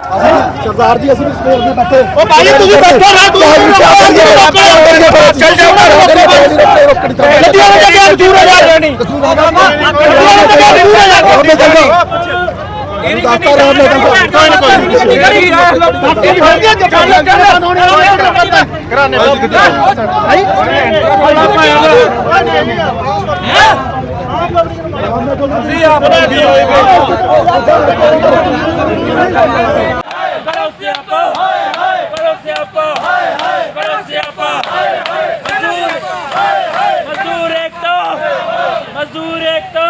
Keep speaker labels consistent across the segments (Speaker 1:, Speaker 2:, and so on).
Speaker 1: सरदार जी असली स्पेयर में बैठे
Speaker 2: ओ भाई तुझे बैठो ना तू चल जाओ ना नदियों में जाके दूर हो जा नहीं
Speaker 1: रास्ता रहा
Speaker 3: मजदूर एकता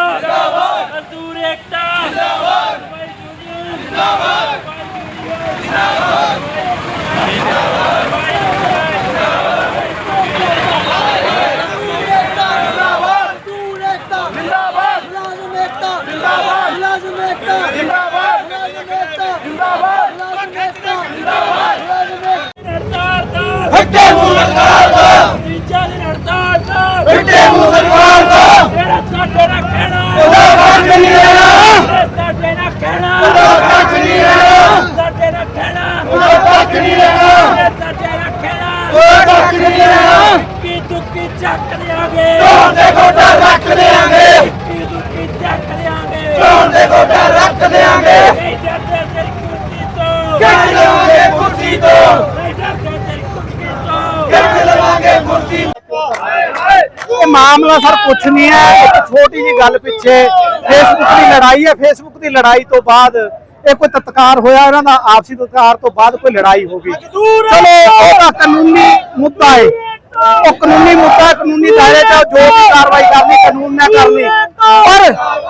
Speaker 4: मामला सर कुछ नहीं है, एक छोटी जी गल पिछे फेसबुक की लड़ाई है। फेसबुक की लड़ाई तो बाद कोई तत्कार होया, आपसी तत्कार तो बाद कोई लड़ाई होगी। चलो वो कानूनी मुद्दा है, वो कानूनी मुद्दा, कानूनी दायरे च जो भी कार्रवाई करनी कानून ने करनी। पर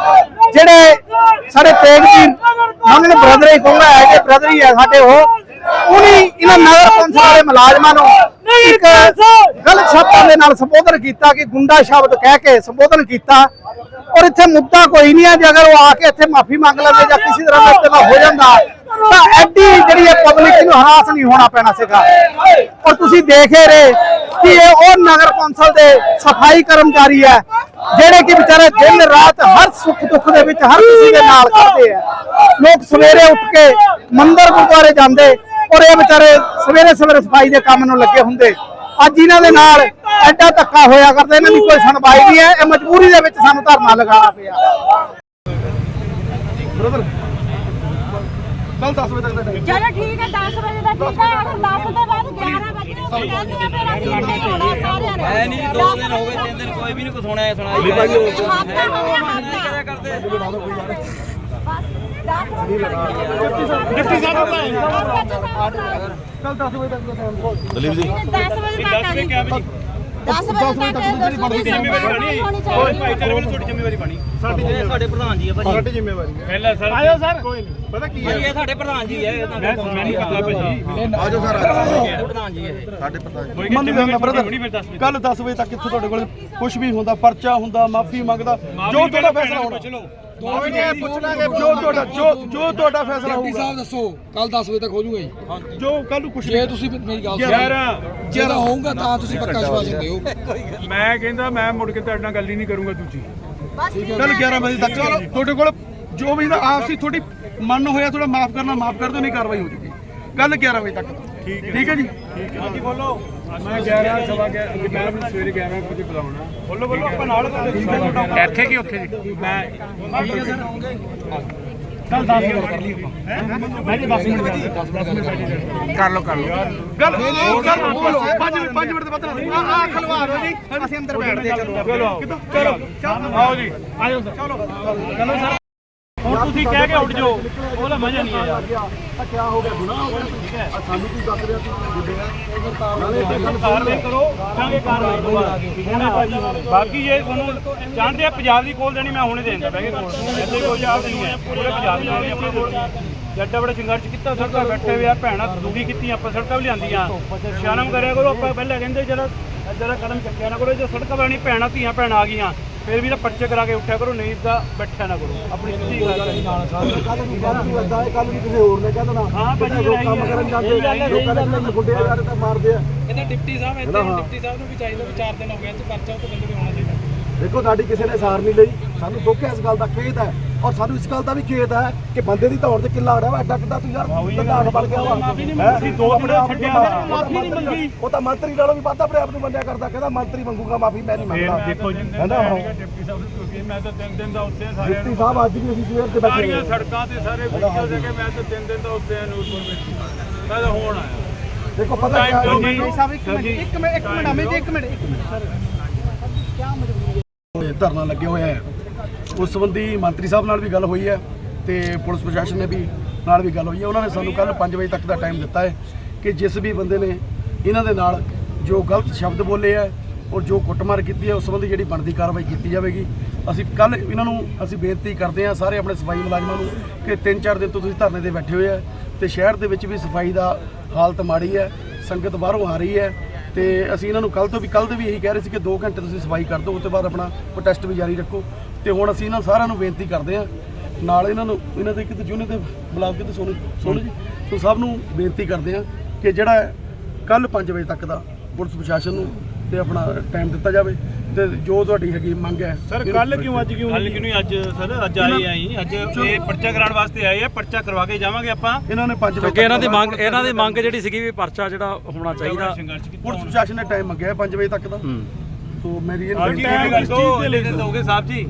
Speaker 4: जेडे साडे तेग जी हमने ब्रदर ही कहूंगा है कि ब्रदर ही है साडे, वो उन्हीं इन्हां नगर कौंसल वाले मुलाजमां नूं एक गलत शब्दां दे नाल संबोधन किया कि गुंडा शब्द कह के संबोधन किया। और इत्थे मुद्दा कोई नहीं है, जे अगर वो आके इत्थे माफी मांग लेंदे जां किसी तरह का इस्तेमाल हो जाता तो एडी जिहड़ी पब्लिक नूं हरास नहीं होना पैना सीगा। और तुसीं देख ही रहे कि ये वो नगर कौंसल के सफाई कर्मचारी है जेडे कि बेचारे दिन रात हर सुख दुख दे विच हर किसी के नाल खड़दे है। लोग सवेरे उठ के मंदिर गुरुद्वारे जांदे और ये बेचारे सवेरे सवेरे सफाई के काम नूं लगे हुंदे। अज इन्हां दे नाल एडा धक्का होया करदा, इन्हां दी कोई सुनवाई नहीं है, मजबूरी दे विच सानूं धरना लगाना पिया।
Speaker 1: कल 10 बजे तक
Speaker 5: चलो ठीक है, 10 बजे तक ठीक है। अगर 10 के बाद 11 बजे फिर ਅਸੀਂ ਇੱਥੇ ਹੀ ਹੋਣਾ ਸਾਰਿਆਂ ਨੇ।
Speaker 3: है नहीं 2 दिन हो गए 3 दिन कोई भी नहीं कुछ होना है सुनाई
Speaker 5: हफ्ता हो गया हफ्ता
Speaker 3: करते
Speaker 1: डिप्टी साहब कल 10 बजे तक
Speaker 5: दलीप जी 10 बजे तक 10 बजे तक
Speaker 2: ਭਾਈਚਾਰੇ ਵੱਲੋਂ ਤੁਹਾਡੀ ਜ਼ਿੰਮੇਵਾਰੀ ਬਣੀ।
Speaker 3: ਸਾਡੇ ਪ੍ਰਧਾਨ ਜੀ ਹੈ ਭਾਜੀ,
Speaker 1: साडी जिम्मेवारी है।
Speaker 2: ਪਹਿਲਾਂ ਸਰ
Speaker 1: आयो सर कोई नहीं पता की है,
Speaker 3: ਇਹ ਸਾਡੇ ਪ੍ਰਧਾਨ ਜੀ ਹੈ,
Speaker 2: ਮੈਂ ਨਹੀਂ ਪਤਾ ਭਾਜੀ
Speaker 1: आजो सर
Speaker 3: ਪ੍ਰਧਾਨ ਜੀ ਹੈ।
Speaker 1: साडे पता है।
Speaker 2: ਕੋਈ
Speaker 1: ਮੰਨ ਲੈਂਦਾ
Speaker 2: ਬਰਦਰ
Speaker 1: ਬ੍ਰਦਰ ਕੱਲ 10 ਵਜੇ ਤੱਕ ਇੱਥੇ ਤੁਹਾਡੇ ਕੋਲ ਕੁਝ ਵੀ ਹੁੰਦਾ, ਪਰਚਾ ਹੁੰਦਾ, ਮਾਫੀ ਮੰਗਦਾ, ਜੋ ਤੁਹਾਡਾ ਫੈਸਲਾ ਹੋਣਾ।
Speaker 2: ਚਲੋ
Speaker 1: ਜੋ ਤੁਹਾਡਾ ਫੈਸਲਾ ਹੋਊਗਾ।
Speaker 6: ਸਾਹਿਬ ਦੱਸੋ ਕੱਲ 10 ਵਜੇ ਤੱਕ ਹੋ ਜਾਊਗਾ ਜੀ?
Speaker 1: ਜੋ ਕੱਲ ਨੂੰ ਕੁਝ
Speaker 6: ਜੇ ਤੁਸੀਂ ਮੇਰੀ ਗੱਲ
Speaker 2: ਯਾਰ
Speaker 6: ਜੇ ਤਾਂ ਹੋਊਗਾ ਤਾਂ ਤੁਸੀਂ ਪੱਕਾ ਸ਼ਵਾਸਨ ਦਿਓ।
Speaker 2: ਮੈਂ ਕਹਿੰਦਾ ਮੈਂ ਮੁੜ ਕੇ ਤੁਹਾਡੇ ਨਾਲ ਗੱਲ ਹੀ ਨਹੀਂ ਕਰੂੰਗਾ ਦੂਜੀ।
Speaker 1: ਕੱਲ 11 ਵਜੇ ਤੱਕ ਤੁਹਾਡੇ ਕੋਲ ਜੋ ਵੀ ਆਪਸੀ ਤੁਹਾਡੀ ਮਨ ਹੋਇਆ ਥੋੜਾ ਮਾਫ ਕਰਨਾ ਮਾਫ ਕਰ ਦਿਓ, ਨਹੀਂ ਕਾਰਵਾਈ ਹੋ ਜੂਗੀ ਕੱਲ 11 ਵਜੇ ਤੱਕ। ਠੀਕ ਹੈ ਜੀ, ਠੀਕ ਹੈ ਜੀ। ਬੋਲੋ ਮੈਂ 11 ਸਵਾ 11 ਮੈਂ ਆਪਣੀ ਸਵੇਰੇ 11 ਵਜੇ ਬੁਲਾਉਣਾ। ਬੋਲੋ ਆਪਾਂ ਨਾਲ ਇੱਥੇ ਕੀ ਉੱਥੇ ਜੀ ਮੈਂ ਕੱਲ 10 ਮਿੰਟ ਕਰ ਲਈ ਆਪਾਂ ਮੈਂ ਜੀ 10 ਮਿੰਟ ਕਰ ਲਓ ਗੱਲ ਬੋਲੋ 5 ਮਿੰਟ ਦੇ ਬਾਅਦ ਆ ਖਲਵਾਰ ਹੋ ਜੀ, ਅਸੀਂ ਅੰਦਰ ਬੈਠਦੇ ਚਲੋ ਆਓ ਜੀ ਆਜੋ ਸਰ ਚਲੋ ਸਰ। ਹੁਣ ਤੁਸੀਂ ਕਹਿ ਕੇ ਉੱਠ ਜਾਓ, ਉਹਦਾ ਮਜ਼ਾ ਨਹੀਂ ਆਇਆ। ਕੀ ਹੋ ਗਿਆ, ਗੁਨਾਹ ਹੋ ਗਿਆ? ਠੀਕ ਹੈ ਸਾਨੂੰ ਕੀ ਦੱਸ ਰਿਹਾ ਤੁਸੀਂ ਗੁੱਡੇ ਕਾਰਵਾਈ ਕਰੋ, ਕਰਾਂਗੇ ਕਾਰਵਾਈ ਹੁਣੇ ਭਾਜੀ। ਬਾਕੀ ਜੇ ਤੁਹਾਨੂੰ ਜਾਣਦੇ ਆ ਪੰਜਾਬ ਦੀ ਕੋਲ ਦੇਣੀ ਮੈਂ ਹੁਣੇ ਦੇ ਦਿੰਦਾ ਬਹਿ ਕੇ ਕੋਲ, ਇੱਥੇ ਕੋਈ ਯਾਦ ਨਹੀਂ ਹੈ, ਪੂਰੇ ਪੰਜਾਬ ਦੀ ਦੇਣੀ ਆਪਣੇ ਕੋਲ। ਜੱਡਾ ਬੜਾ ਸੰਘਰਸ਼ ਕੀਤਾ, ਸੜਕਾਂ ਬੈਠੇ ਹੋਏ ਆ, ਭੈਣਾਂ ਦੁਖੀ ਕੀਤੀਆਂ, ਆਪਾਂ ਸੜਕਾਂ ਵੀ ਲਿਆਂਦੀਆਂ। ਸ਼ਰਮ ਕਰਿਆ ਕਰੋ, ਆਪਾਂ ਪਹਿਲਾਂ ਕਹਿੰਦੇ ਜਿਹੜਾ ਕਦਮ ਚੱਕਿਆ ਨਾ ਕਰੋ, ਜੇ ਸੜਕਾਂ ਵਾਲੀ ਭੈਣਾਂ ਧੀਆਂ ਭੈਣਾਂ ਆ ਗਈਆਂ ਫਿਰ ਵੀ ਤਾਂ ਪਰਚੇ ਕਰਾ ਕੇ ਉੱਠਿਆ ਕਰੋ, ਨਹੀਂ ਤਾਂ ਬੈਠਿਆ ਨਾ ਕਰੋ। ਆਪਣੀ ਸਿੱਧੀ ਗੱਲ ਹੈ ਨਾਲ ਕੱਲ ਵੀ ਕਿਸੇ ਹੋਰ ਨੇ ਕਹਿ ਦੇਣਾ ਹਾਂ ਭਾਜੀ ਕੰਮ ਕਰਨ ਜਾਂਦੇ ਲੋਕਾਂ ਨੇ ਗੁੱਡੇ ਯਾਰ ਤਾਂ ਮਾਰਦੇ ਆ।
Speaker 6: ਇਹਦਾ ਡਿਪਟੀ ਸਾਹਿਬ ਇੱਥੇ ਡਿਪਟੀ ਸਾਹਿਬ ਨੂੰ ਵੀ ਚਾਹੀਦਾ ਵੀ 4 ਦਿਨ ਹੋ ਗਏ ਤੇ ਪਰਚਾ ਉਹ ਤੋਂ ਬੰਦੇ ਵੀ ਹੋਣਾ ਚਾਹੀਦਾ।
Speaker 1: ਦੇਖੋ ਸਾਡੀ ਕਿਸੇ ਨੇ ਸਾਰ ਨਹੀਂ ਲਈ, ਸਾਨੂੰ ਦੁੱਖ ਹੈ ਇਸ ਗੱਲ ਦਾ, ਖੇਦ ਹੈ
Speaker 2: ਔਰ ਸਾਨੂੰ ਇਸ ਗੱਲ ਦਾ ਵੀ ਖੇਦ ਹੈ ਕਿ ਬੰਦੇ ਦੀ ਧੌਣ ਤੇ ਕਿੱਲਾ ਅੜਿਆ ਵਾ ਐਡਾ ਕਿੱਡਾ ਤੂੰ ਯਾਰ ਪ੍ਰਧਾਨ ਬਣ ਗਿਆ ਵਾ ਅਸੀਂ 2 ਆਪਣੇ ਆਪ ਨੂੰ ਮਾਫੀ ਨਹੀਂ ਮੰਗੀ। ਉਹ ਤਾਂ ਮੰਤਰੀ ਨਾਲੋਂ ਵੀ ਵੱਧ ਆਪਣੇ ਆਪ ਨੂੰ ਮੰਨਿਆ ਕਰਦਾ, ਕਹਿੰਦਾ ਮੰਤਰੀ ਮੰਗੂਗਾ ਮਾਫੀ, ਮੈਂ ਨਹੀਂ ਮੰਗਦਾ। ਦੇਖੋ ਜੀ ਕਹਿੰਦਾ
Speaker 1: ਡਿਪਟੀ ਸਾਹਿਬ ਨੂੰ ਕਿਉਂਕਿ ਮੈਂ ਤਾਂ 3 ਦਿਨ ਦਾ ਉੱਥੇ ਸਾਰਿਆਂ
Speaker 2: ਡਿਪਟੀ ਸਾਹਿਬ ਅੱਜ ਵੀ ਅਸੀਂ ਸਵੇਰ ਤੇ ਬੈਠੇ
Speaker 1: ਸਾਰੀਆਂ ਸੜਕਾਂ ਤੇ ਸਾਰੇ ਵੀਡੀਓ ਦੇ ਕੇ ਮੈਂ ਤਾਂ 3 ਦਿਨ ਦਾ ਉੱਥੇ ਨੂਰਪੁਰ ਵਿੱਚ ਮੈਂ ਤਾਂ ਹੁਣ ਆਇਆ।
Speaker 2: ਦੇਖੋ ਪਤਾ ਕੀ
Speaker 4: ਸਾਹਿਬ ਇੱਕ ਮਿੰਟ
Speaker 2: ਧਰਨਾ ਲੱਗਿਆ ਹੋਇਆ ਹੈ, ਉਸ ਸੰਬੰਧੀ ਮੰਤਰੀ ਸਾਹਿਬ ਨਾਲ ਵੀ ਗੱਲ ਹੋਈ ਹੈ ਤੇ ਪੁਲਿਸ ਪ੍ਰਸ਼ਾਸਨ ਨੇ ਵੀ ਨਾਲ ਵੀ ਗੱਲ ਹੋਈ ਹੈ। ਉਹਨਾਂ ਨੇ ਸਾਨੂੰ ਕੱਲ 5 ਵਜੇ ਤੱਕ ਦਾ ਟਾਈਮ ਦਿੱਤਾ ਹੈ ਕਿ ਜਿਸ ਵੀ ਬੰਦੇ ਨੇ ਇਹਨਾਂ ਦੇ ਨਾਲ ਜੋ ਗਲਤ ਸ਼ਬਦ ਬੋਲੇ ਹੈ ਔਰ ਜੋ ਕੁੱਟਮਾਰ ਕੀਤੀ ਹੈ ਉਸ ਸੰਬੰਧੀ ਜਿਹੜੀ ਬਣਦੀ ਕਾਰਵਾਈ ਕੀਤੀ ਜਾਵੇਗੀ। ਅਸੀਂ ਕੱਲ ਇਹਨਾਂ ਨੂੰ ਅਸੀਂ ਬੇਨਤੀ ਕਰਦੇ ਹਾਂ ਸਾਰੇ ਆਪਣੇ ਸਫਾਈ ਮੁਲਾਜ਼ਮਾਂ ਨੂੰ ਕਿ 3-4 ਦਿਨ ਤੋਂ ਤੁਸੀਂ ਧਰਨੇ ਤੇ ਬੈਠੇ ਹੋਏ ਆ ਤੇ ਸ਼ਹਿਰ ਦੇ ਵਿੱਚ ਵੀ ਸਫਾਈ ਦਾ ਹਾਲਤ ਮਾੜੀ ਹੈ, ਸੰਗਤ ਬਾਹਰੋਂ ਆ ਰਹੀ ਹੈ ਤੇ ਅਸੀਂ ਇਹਨਾਂ ਨੂੰ ਕੱਲ ਦੇ ਵੀ ਇਹੀ ਕਹਿ ਰਹੇ ਸੀ ਕਿ 2 ਘੰਟੇ ਤੁਸੀਂ ਸਫਾਈ ਕਰ ਦਿਓ, ਉਸ ਤੋਂ ਬਾਅਦ ਆਪਣਾ ਪ੍ਰੋਟੈਸਟ ਵੀ ਜਾਰੀ ਰੱਖੋ। ਤੇ ਹੁਣ ਅਸੀਂ ਇਹਨਾਂ ਸਾਰਿਆਂ ਨੂੰ ਬੇਨਤੀ ਕਰਦੇ ਹਾਂ, ਨਾਲ ਇਹਨਾਂ ਦੇ ਕਿਤੇ ਜੂਨੇ ਤੇ ਬੁਲਾ ਕੇ ਤੇ ਸੋਨੂ ਜੀ ਸੋ ਸਭ ਨੂੰ ਬੇਨਤੀ ਕਰਦੇ ਹਾਂ ਕਿ ਜਿਹੜਾ ਕੱਲ 5 ਵਜੇ ਤੱਕ ਦਾ ਪੁਲਿਸ ਪ੍ਰਸ਼ਾਸਨ ਨੂੰ ਤੇ ਆਪਣਾ ਟਾਈਮ ਦਿੱਤਾ ਜਾਵੇ ਤੇ ਜੋ ਤੁਹਾਡੀ ਹੈਗੀ ਮੰਗ ਹੈ।
Speaker 1: ਸਰ ਕੱਲ ਕਿਉਂ ਅੱਜ ਨਹੀਂ ਅੱਜ ਸਰ ਅੱਜ ਆਏ ਅੱਜ ਇਹ ਪਰਚਾ ਕਰਾਉਣ ਵਾਸਤੇ ਆਏ ਆ, ਪਰਚਾ ਕਰਵਾ ਕੇ ਜਾਵਾਂਗੇ ਆਪਾਂ।
Speaker 2: ਇਹਨਾਂ ਨੇ 5 ਵਜੇ
Speaker 7: ਇਹਨਾਂ ਦੀ ਮੰਗ ਜਿਹੜੀ ਸੀਗੀ ਵੀ ਪਰਚਾ ਜਿਹੜਾ ਹੋਣਾ ਚਾਹੀਦਾ,
Speaker 2: ਪੁਲਿਸ ਪ੍ਰਸ਼ਾਸਨ ਨੇ ਟਾਈਮ ਮੰਗਿਆ 5 ਵਜੇ ਤੱਕ ਦਾ। ਸੋ ਮੇਰੀ ਇਹ
Speaker 1: ਦੋਗੇ ਸਾਹਿਬ ਜੀ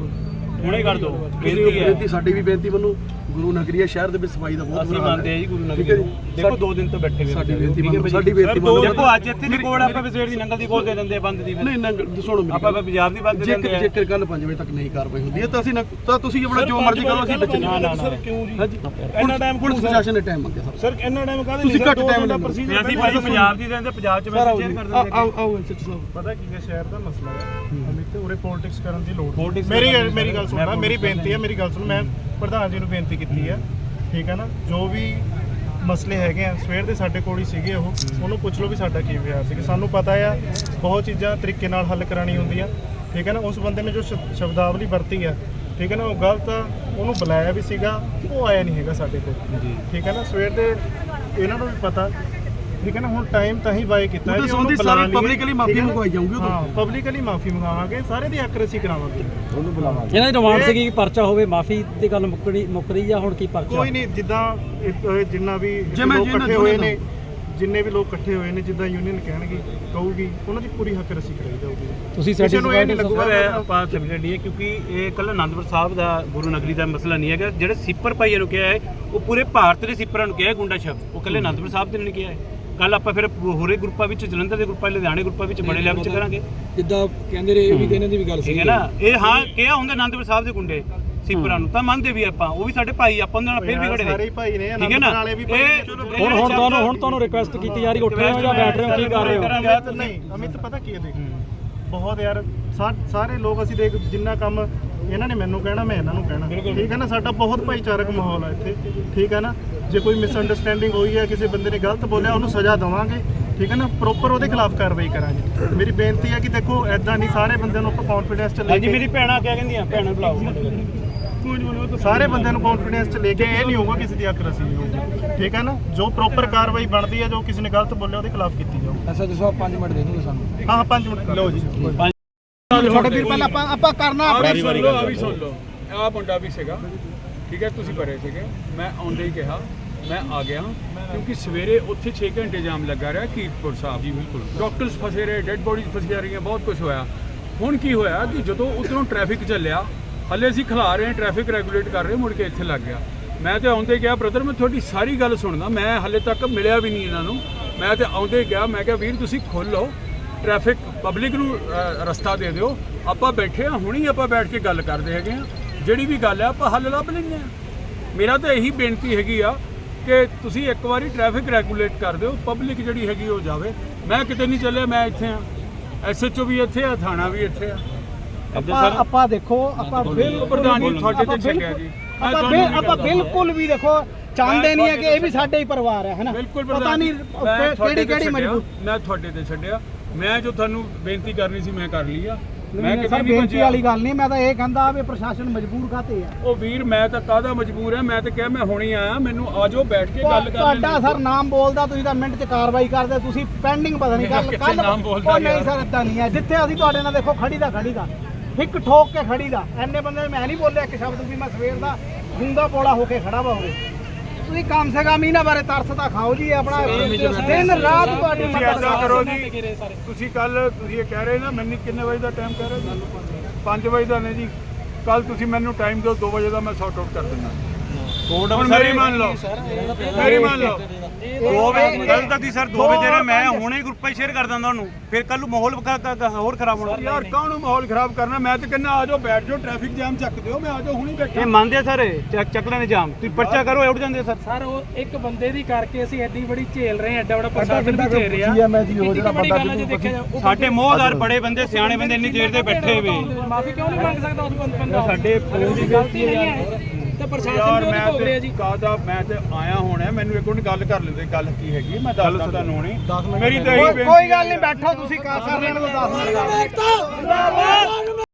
Speaker 1: ਹੁਣੇ ਕਰ ਦੋ
Speaker 2: ਬੇਨਤੀ ਸਾਡੀ ਵੀ ਬੇਨਤੀ ਮੈਨੂੰ ਗੁਰੂ ਨਗਰੀ ਹੈ ਸ਼ਹਿਰ ਦੇ ਵਿੱਚ ਸਫਾਈ ਦਾ ਬਹੁਤ
Speaker 1: ਅਸੀਂ ਮੰਨਦੇ ਆ ਜੀ ਗੁਰੂ ਨਗਰੀ ਦੇਖੋ 2 ਦਿਨ ਤੋਂ ਬੈਠੇ ਹੋਏ
Speaker 2: ਸਾਡੀ ਬੇਨਤੀ ਮੰਨੋ
Speaker 1: ਦੇਖੋ ਅੱਜ ਇੱਥੇ ਦੀ ਕੋਲ ਆਪਾਂ ਵਿਸੇੜ ਦੀ ਨੰਗਲ ਦੀ ਕੋਲ ਦੇ ਦਿੰਦੇ ਆ ਬੰਦ ਦੀ
Speaker 2: ਨਹੀਂ ਨੰਗਲ ਸੁਣੋ ਮੇਰੀ
Speaker 1: ਆਪਾਂ ਪੰਜਾਬ ਦੀ ਬੰਦ ਦੇ ਦਿੰਦੇ ਆ।
Speaker 2: ਜੇਕਰ ਕੱਲ 5 ਵਜੇ ਤੱਕ ਨਹੀਂ ਕਾਰਵਾਈ ਹੁੰਦੀ ਹੈ ਤਾਂ ਅਸੀਂ ਤਾਂ ਤੁਸੀਂ ਆਪਣਾ ਜੋ ਮਰਜ਼ੀ ਕਰੋ, ਅਸੀਂ ਬੱਚੇ
Speaker 1: ਨਾ ਸਰ ਕਿਉਂ ਜੀ ਇੰਨਾ ਟਾਈਮ
Speaker 2: ਪੁਲਿਸ ਪ੍ਰਸ਼ਾਸਨ ਨੇ ਟਾਈਮ ਮੰਗਿਆ
Speaker 1: ਸਰ ਇੰਨਾ ਟਾਈਮ ਕਾਹਦੇ
Speaker 2: ਤੁਸੀਂ ਘੱਟ ਟਾਈਮ ਲੈਂਦੇ
Speaker 1: ਅਸੀਂ ਭਾਈ ਪੰਜਾਬ ਦੀ ਰਹਿੰਦੇ ਪੰਜਾਬ ਚ ਮੈਸੇਜ ਸ਼ੇਅਰ ਕਰ ਦਿੰਦੇ
Speaker 2: ਆਓ ਸੱਚ ਸਾਹਿਬ
Speaker 1: ਪਤਾ ਕੀ ਹੈ ਸ਼ਹਿਰ ਦਾ ਮਸਲਾ ਹੈ ਅਮਿਤ ਉਰੇ ਪੋਲਿਟਿਕਸ ਕਰਨ ਦੀ ਲੋੜ ਮੇਰੀ ਗੱਲ ਸੁਣਨਾ, ਮੇਰੀ ਬੇਨਤੀ ਹੈ, ਮੇਰੀ ਗੱਲ ਸੁਣ। ਮੈਂ ਪ੍ਰਧਾਨ ਜੀ ਨੂੰ ਬੇਨਤੀ ਕੀਤੀ ਹੈ, ਠੀਕ ਹੈ ਨਾ, ਜੋ ਵੀ ਮਸਲੇ ਹੈਗੇ ਆ ਸਵੇਰ ਦੇ ਸਾਡੇ ਕੋਲ ਹੀ ਸੀਗੇ ਉਹਨੂੰ ਪੁੱਛ ਲਓ ਵੀ ਸਾਡਾ ਕੀ ਵਿਹਾਰ ਸੀ। ਸਾਨੂੰ ਪਤਾ ਆ ਬਹੁਤ ਚੀਜ਼ਾਂ ਤਰੀਕੇ ਨਾਲ ਹੱਲ ਕਰਾਣੀ ਹੁੰਦੀਆਂ, ਠੀਕ ਹੈ ਨਾ। ਉਸ ਬੰਦੇ ਨੇ ਜੋ ਸ਼ਬਦਾਵਲੀ ਵਰਤੀ ਆ, ਠੀਕ ਹੈ ਨਾ, ਉਹ ਗਲਤ ਆ। ਉਹਨੂੰ ਬੁਲਾਇਆ ਵੀ ਸੀਗਾ, ਉਹ ਆਇਆ ਨਹੀਂ ਹੈਗਾ ਸਾਡੇ ਕੋਲ, ਠੀਕ ਹੈ ਨਾ। ਸਵੇਰ ਦੇ ਇਹਨਾਂ ਨੂੰ ਵੀ ਪਤਾ, ਠੀਕ ਹੈ ਨਾ। ਹੁਣ ਟਾਈਮ ਤਾਂ ਹੀ ਬਾਏ ਕੀਤਾ ਹੈ ਜੀ, ਉਹਨੂੰ ਬੁਲਾ ਲਈ
Speaker 2: ਪਬਲਿਕਲੀ ਮਾਫੀ ਮੰਗਵਾਈ ਜਾਊਗੀ।
Speaker 1: ਹਾਂ ਪਬਲਿਕਲੀ ਮਾਫੀ ਮੰਗਾਵਾਂਗੇ, ਸਾਰੇ ਦੀ ਐਕੂਰੇਸੀ ਕਰਾਵਾਂਗੇ, ਉਹਨੂੰ ਬੁਲਾਵਾਂਗੇ।
Speaker 7: ਇਹਨਾਂ ਦੀ ਡਿਮਾਂਡ ਸੀਗੀ ਕਿ ਪਰਚਾ ਹੋਵੇ, ਮਾਫੀ ਦੀ ਗੱਲ ਮੁੱਕ ਰਹੀ ਆ ਹੁਣ ਕੀ ਪਰਚਾ?
Speaker 1: ਕੋਈ ਨਹੀਂ, ਜਿੱਦਾਂ ਜਿੰਨਾ ਵੀ ਲੋਕ ਇਕੱਠੇ ਹੋਏ ਨੇ, ਜਿੰਨੇ ਵੀ ਲੋਕ ਇਕੱਠੇ ਹੋਏ ਨੇ, ਜਿੱਦਾਂ ਯੂਨੀਅਨ ਕਹਿਣਗੇ ਕਹੂਗੀ, ਉਹਨਾਂ ਦੀ ਪੂਰੀ ਹੱਕ-ਰਸੀ ਕਰਾਈ ਜਾਊਗੀ।
Speaker 7: ਤੁਸੀਂ
Speaker 1: ਕਿਸੇ ਨੂੰ ਇਹ ਨਹੀਂ ਲੱਗੂਗਾ ਆਪਾਂ ਸੈਪਰੇਟ ਨਹੀਂ ਹੈ, ਕਿਉਂਕਿ ਇਹ ਕੱਲ ਅਨੰਦਪੁਰ ਸਾਹਿਬ ਦਾ ਗੁਰੂ ਨਗਰੀ ਦਾ ਮਸਲਾ ਨਹੀਂ ਹੈਗਾ। ਜਿਹੜੇ ਸਿੱਪਰ ਭਾਈਆਂ ਨੂੰ ਕਿਹਾ ਹੈ ਉਹ ਪੂਰੇ ਭਾਰਤ ਦੇ ਸਿੱਪਰਾਂ ਨੂੰ ਕਿਹਾ ਗੁੰਡਾ ਸ਼ਬਦ, ਉਹ ਕੱਲੇ ਅਨੰਦਪੁਰ ਸਾਹਿਬ ਦੇ ਨਹੀਂ ਕਿਹਾ ਹੈ। ਕੱਲ ਆਪਾਂ ਫਿਰ ਹੋਰੇ ਗਰੁੱਪਾਂ ਵਿੱਚ, ਜਲੰਧਰ ਦੇ ਗਰੁੱਪਾਂ, ਲੁਧਿਆਣੇ ਗਰੁੱਪਾਂ ਵਿੱਚ ਬੜੇ ਲੈਵਲ 'ਚ ਕਰਾਂਗੇ।
Speaker 6: ਜਿੱਦਾਂ ਕਹਿੰਦੇ ਰਹੇ ਇਹ ਵੀ ਇਹਨਾਂ ਦੀ ਵੀ ਗੱਲ
Speaker 1: ਠੀਕ ਹੈ ਨਾ। ਇਹ ਹਾਂ ਕਿਹਾ ਹੁੰਦਾ ਅਨੰਦਪੁਰ ਸਾਹਿਬ ਦੇ ਗੁੰਡੇ ਸਿੱਪਰਾਂ ਨੂੰ ਤਾਂ ਮੰਨਦੇ ਵੀ ਆਪਾਂ, ਉਹ ਵੀ ਸਾਡੇ ਭਾਈ, ਆਪਾਂ ਉਹਨਾਂ ਨਾਲ ਫਿਰ ਵੀ ਖੜੇ ਨੇ, ਸਾਰੇ ਭਾਈ ਨੇ, ਅਨੰਦਪੁਰ ਵਾਲੇ ਵੀ ਭਾਈ।
Speaker 7: ਹੁਣ ਤੁਹਾਨੂੰ ਰਿਕੁਐਸਟ ਕੀਤੀ ਜਾ ਰਹੀ, ਉੱਠ ਰਹੇ ਹੋ ਜਾਂ ਬੈਠ ਰਹੇ ਹੋ, ਕੀ ਕਰ ਰਹੇ ਹੋ?
Speaker 1: ਨਹੀਂ ਅਮਿਤ ਪਤਾ ਕੀ ਹੈ, ਦੇਖ ਬਹੁਤ ਯਾਰ ਸਾਰੇ ਲੋਕ ਅਸੀਂ ਦੇਖ ਜਿੰਨਾ ਕੰਮ ਇਹਨਾਂ ਨੇ ਮੈਨੂੰ ਕਹਿਣਾ ਮੈਂ ਇਹਨਾਂ ਨੂੰ ਕਹਿਣਾ, ਠੀਕ ਹੈ ਨਾ। ਸਾਡਾ ਬਹੁਤ ਭਾਈਚਾਰਕ ਮਾਹੌਲ ਹੈ ਇੱਥੇ, ਠੀਕ ਹੈ ਨਾ। ਜੇ ਕੋਈ ਮਿਸਅੰਡਰਸਟੈਂਡਿੰਗ ਹੋਈ ਹੈ, ਕਿਸੇ ਬੰਦੇ ਨੇ ਗਲਤ ਬੋਲਿਆ, ਉਹਨੂੰ ਸਜ਼ਾ ਦੇਵਾਂਗੇ, ਠੀਕ ਹੈ ਨਾ। ਪ੍ਰੋਪਰ ਉਹਦੇ ਖਿਲਾਫ ਕਾਰਵਾਈ ਕਰਾਂਗੇ। ਮੇਰੀ ਬੇਨਤੀ ਹੈ ਕਿ ਦੇਖੋ ਐਦਾਂ ਨਹੀਂ, ਸਾਰੇ ਬੰਦਿਆਂ ਨੂੰ ਆਪਾਂ ਕੌਨਫੀਡੈਂਸ 'ਚ ਲੈ ਕੇ, ਮੇਰੀ ਭੈਣਾਂ ਕਿਆ ਕਹਿੰਦੀਆਂ, ਭੈਣਾਂ ਬੁਲਾਓ, ਸਾਰੇ ਬੰਦਿਆਂ ਨੂੰ ਕੌਨਫੀਡੈਂਸ 'ਚ ਲੈ ਕੇ, ਇਹ ਨਹੀਂ ਹੋਊਗਾ ਕਿਸੇ ਦੀ ਅੱਖ-ਰਸੀ ਨਹੀਂ ਹੋਊਗੀ, ਠੀਕ ਹੈ ਨਾ। ਜੋ ਪ੍ਰੋਪਰ ਕਾਰਵਾਈ ਬਣਦੀ ਹੈ, ਜੋ ਕਿਸੇ ਨੇ ਗਲਤ ਬੋਲਿਆ ਉਹਦੇ ਖਿਲਾਫ ਕੀਤੀ ਜਾਊ।
Speaker 6: ਐਸਾ ਜਿਸੋ 5 ਮਿੰਟ ਦੇ ਦਿਓ ਸਾਨੂੰ।
Speaker 1: ਹਾਂ 5 ਮਿੰਟ ਲਓ ਜੀ।
Speaker 4: ਛੋਟੇ ਵੀਰ ਪਹਿਲਾਂ ਆਪਾਂ ਕਰਨਾ ਆਪਣੇ
Speaker 8: ਸੁਣ ਲਓ ਆਹ ਮੁੰਡਾ ਵੀ ਸੀਗਾ, ਠੀਕ ਹੈ, ਤੁਸੀਂ ਭਰੇ ਸੀਗੇ, ਮੈਂ ਆਉਂਦੇ ਹੀ ਕਿਹਾ ਮੈਂ ਆ ਗਿਆ, ਕਿਉਂਕਿ ਸਵੇਰੇ ਉੱਥੇ 6 ਘੰਟੇ ਜਾਮ ਲੱਗਾ ਰਿਹਾ ਕੀਰਤਪੁਰ ਸਾਹਿਬ ਜੀ। ਬਿਲਕੁਲ ਡਾਕਟਰਸ ਫਸੇ ਰਹੇ, ਡੈੱਡ ਬੋਡੀਜ਼ ਫਸੀਆਂ ਰਹੀਆਂ, ਬਹੁਤ ਕੁਝ ਹੋਇਆ। ਹੁਣ ਕੀ ਹੋਇਆ ਕਿ ਜਦੋਂ ਉੱਧਰੋਂ ਟ੍ਰੈਫਿਕ ਚੱਲਿਆ, ਹਲੇ ਅਸੀਂ ਖਿਲਾ ਰਹੇ, ਟ੍ਰੈਫਿਕ ਰੈਗੂਲੇਟ ਕਰ ਰਹੇ, ਮੁੜ ਕੇ ਇੱਥੇ ਲੱਗ ਗਿਆ। ਮੈਂ ਤੇ ਆਉਂਦੇ ਗਿਆ, ਬ੍ਰਦਰ ਮੈਂ ਤੁਹਾਡੀ ਸਾਰੀ ਗੱਲ ਸੁਣਦਾ, ਮੈਂ ਹਲੇ ਤੱਕ ਮਿਲਿਆ ਵੀ ਨਹੀਂ ਇਹਨਾਂ ਨੂੰ। ਮੈਂ ਤੇ ਆਉਂਦੇ ਗਿਆ, ਮੈਂ ਕਿਹਾ ਵੀਰ ਤੁਸੀਂ ਖੋਲ੍ਹੋ ਟ੍ਰੈਫਿਕ, ਪਬਲਿਕ ਨੂੰ ਰਸਤਾ ਦੇ ਦਿਓ, ਆਪਾਂ ਬੈਠੇ ਹਾਂ, ਹੁਣੀ ਆਪਾਂ ਬੈਠ ਕੇ ਗੱਲ ਕਰਦੇ ਹੈਗੇ ਹਾਂ, ਜਿਹੜੀ ਵੀ ਗੱਲ ਹੈ ਆਪਾਂ ਹੱਲ ਲੱਭ ਲੈਂਦੇ ਹਾਂ। ਮੇਰਾ ਤਾਂ ਇਹੀ ਬੇਨਤੀ ਹੈਗੀ ਆ ਕਿ ਤੁਸੀਂ ਇੱਕ ਵਾਰੀ ਟ੍ਰੈਫਿਕ ਰੈਗੂਲੇਟ ਕਰ ਦਿਓ, ਪਬਲਿਕ ਜਿਹੜੀ ਹੈਗੀ ਉਹ ਜਾਵੇ। ਮੈਂ ਕਿਤੇ ਨਹੀਂ ਚੱਲਿਆ, ਮੈਂ ਇੱਥੇ ਆ, ਐਸਐਚਓ ਵੀ ਇੱਥੇ ਆ, ਥਾਣਾ ਵੀ ਇੱਥੇ ਆ।
Speaker 4: ਆਪਾਂ ਦੇਖੋ, ਆਪਾਂ ਬਿਲਕੁਲ
Speaker 8: ਪ੍ਰਧਾਨ ਜੀ ਤੁਹਾਡੇ ਤੇ ਛੱਡਿਆ ਜੀ,
Speaker 4: ਆਪਾਂ ਬਿਲਕੁਲ ਵੀ ਦੇਖੋ ਚਾਹੁੰਦੇ ਨਹੀਂ ਹੈ ਕਿ ਇਹ ਵੀ ਸਾਡੇ ਹੀ ਪਰਿਵਾਰ ਹੈ, ਹੈਨਾ।
Speaker 8: ਬਿਲਕੁਲ
Speaker 4: ਪਤਾ ਨਹੀਂ ਕਿਹੜੀ ਮਜਬੂਰ,
Speaker 8: ਮੈਂ ਤੁਹਾਡੇ ਤੇ ਛੱਡਿਆ। ਮੈਂ ਜੋ ਤੁਹਾਨੂੰ ਬੇਨਤੀ ਕਰਨੀ ਸੀ ਮੈਂ ਕਰ ਲਈ ਆ।
Speaker 4: ਮੈਂ ਕਿਤੇ ਨਹੀਂ ਬੇਨਤੀ ਵਾਲੀ ਗੱਲ ਨਹੀਂ, ਮੈਂ ਤਾਂ ਇਹ ਕਹਿੰਦਾ ਵੀ ਪ੍ਰਸ਼ਾਸਨ ਮਜਬੂਰ ਕਾਤੇ ਆ।
Speaker 8: ਉਹ ਵੀਰ ਮੈਂ ਤਾਂ ਕਾਹਦਾ ਮਜਬੂਰ ਹੈ, ਮੈਂ ਤਾਂ ਕਿਹਾ ਮੈਂ ਹੁਣੀ ਆਇਆ, ਮੈਨੂੰ ਆਜੋ ਬੈਠ ਕੇ ਗੱਲ ਕਰ ਲੈਂਦੇ।
Speaker 4: ਤੁਹਾਡਾ ਸਰ ਨਾਮ ਬੋਲਦਾ, ਤੁਸੀਂ ਤਾਂ ਮਿੰਟ 'ਚ ਕਾਰਵਾਈ ਕਰਦੇ, ਤੁਸੀਂ ਪੈਂਡਿੰਗ ਪਤਾ ਨਹੀਂ ਕੱਲ
Speaker 8: ਨਾਮ ਬੋਲਦਾ
Speaker 4: ਨਹੀਂ ਸਰ, ਇਦਾਂ ਨਹੀਂ ਹੈ। ਜਿੱਥੇ ਅਸੀਂ ਤੁਹਾਡੇ ਨਾਲ ਦੇਖੋ ਖੜੀ ਦਾ ਫਿੱਕ ਠੋਕ ਕੇ ਖੜੀ ਦਾ ਐਨੇ ਬੰਦੇ ਮੈਂ ਨਹੀਂ ਬੋਲਿਆ ਇੱਕ ਸ਼ਬਦ ਵੀ ਮੈਂ ਸਵੇਰ ਦਾ ਗੂੰਗਾ ਪੋਲਾ ਹੋ ਕੇ ਖੜਾ ਵਾ ਹੋਵੇ ਤੁਸੀਂ ਕਮ ਸੇ ਕਮ ਇਹਨਾਂ ਬਾਰੇ ਤਰਸ ਤਾਂ ਖਾਓ ਜੀ ਆਪਣਾ ਦਿਨ ਰਾਤ ਤੁਹਾਡੀ
Speaker 8: ਤੁਸੀਂ ਐਦਾਂ ਕਰੋ ਜੀ ਤੁਸੀਂ ਕੱਲ ਤੁਸੀਂ ਇਹ ਕਹਿ ਰਹੇ ਨਾ ਮੈਨੂੰ ਕਿੰਨੇ ਵਜੇ ਦਾ ਟਾਈਮ ਕਹਿ ਰਹੇ 5 ਵਜੇ ਦਾ ਨੇ ਜੀ ਕੱਲ ਤੁਸੀਂ ਮੈਨੂੰ ਟਾਈਮ ਦਿਓ 2 ਵਜੇ ਦਾ ਮੈਂ ਸੌਟ ਆਊਟ ਕਰ ਦਿੰਦਾ ਹੁਣ ਮੇਰੀ ਮੰਨ ਲਓ ਮੇਰੀ ਮੰਨ ਲਓ
Speaker 1: 2 ਵਜੇ ਕੱਲ ਤੱਕ ਸਰ 2 ਵਜੇ ਦੇ ਮੈਂ ਹੁਣੇ ਗਰੁੱਪਾਂ 'ਚ ਸ਼ੇਅਰ ਕਰ ਦਿੰਦਾ ਉਹਨੂੰ ਫਿਰ ਕੱਲ ਨੂੰ ਮਾਹੌਲ ਹੋਰ ਖਰਾਬ ਹੋਣਾ
Speaker 8: ਯਾਰ ਕਾਹਨੂੰ ਮਾਹੌਲ ਖਰਾਬ ਕਰਨਾ ਮੈਂ ਤਾਂ ਕਹਿੰਦਾ ਆ ਜਾਓ ਬੈਠ ਜਾਓ ਟ੍ਰੈਫਿਕ ਜਾਮ ਚੱਕ ਦਿਓ ਮੈਂ ਆ ਜਾਓ ਹੁਣੇ ਬੈਠਾ
Speaker 7: ਇਹ ਮੰਨਦੇ ਆ ਸਰ ਚੱਕ ਲੈਣੇ ਜਾਮ ਤੁਸੀਂ ਪਰਚਾ ਕਰੋ ਉੱਡ ਜਾਂਦੇ ਸਰ
Speaker 6: ਸਰ ਉਹ ਇੱਕ ਬੰਦੇ ਦੀ ਕਰਕੇ ਅਸੀਂ ਐਡੀ ਬੜੀ ਝੇਲ ਰਹੇ ਹਾਂ ਐਡਾ ਬੜਾ ਪ੍ਰਸ਼ਾਸਨ ਵੀ ਝੇਲ ਰਿਹਾ
Speaker 2: ਮੈਂ ਜੀ ਉਹ ਜਿਹੜਾ ਬੰਦਾ
Speaker 7: ਸਾਡੇ ਮੋਹਦਾਰ ਬੜੇ ਬੰਦੇ ਸਿਆਣੇ ਬੰਦੇ ਇੰਨੀ ਦੇਰ ਦੇ ਬੈਠੇ ਵੇ
Speaker 6: ਮਾਫੀ ਕਿਉਂ ਨਹੀਂ ਮੰਗ ਸਕਦਾ ਉਸ ਬੰਦਾ
Speaker 7: ਸਾਡੇ ਫੋਨ ਦੀ
Speaker 6: ਗਲਤੀ ਨਹੀਂ ਹੈ ਤੇ ਪ੍ਰਸ਼ਾਸਨ
Speaker 8: ਯਾਰ
Speaker 6: ਕਿਉਂ ਨਹੀਂ ਭੋਗ ਰਿਹਾ ਜੀ
Speaker 8: ਮੈਂ ਤੇ ਆਇਆ ਹੋਣਾ ਮੈਨੂੰ ਇੱਕ ਵਾਰ ਗੱਲ ਕਰ ਲੈਂਦੇ ਗੱਲ ਕੀ ਹੈਗੀ ਮੈਂ ਦੱਸਦਾ ਤੁਹਾਨੂੰ ਹੁਣੇ ਮੇਰੀ ਤਾਂ ਇਹੀ
Speaker 4: ਕੋਈ ਗੱਲ ਨਹੀਂ ਬੈਠੋ ਤੁਸੀਂ ਕਰ ਲੈਣ ਦੋ 10 ਮਿੰਟ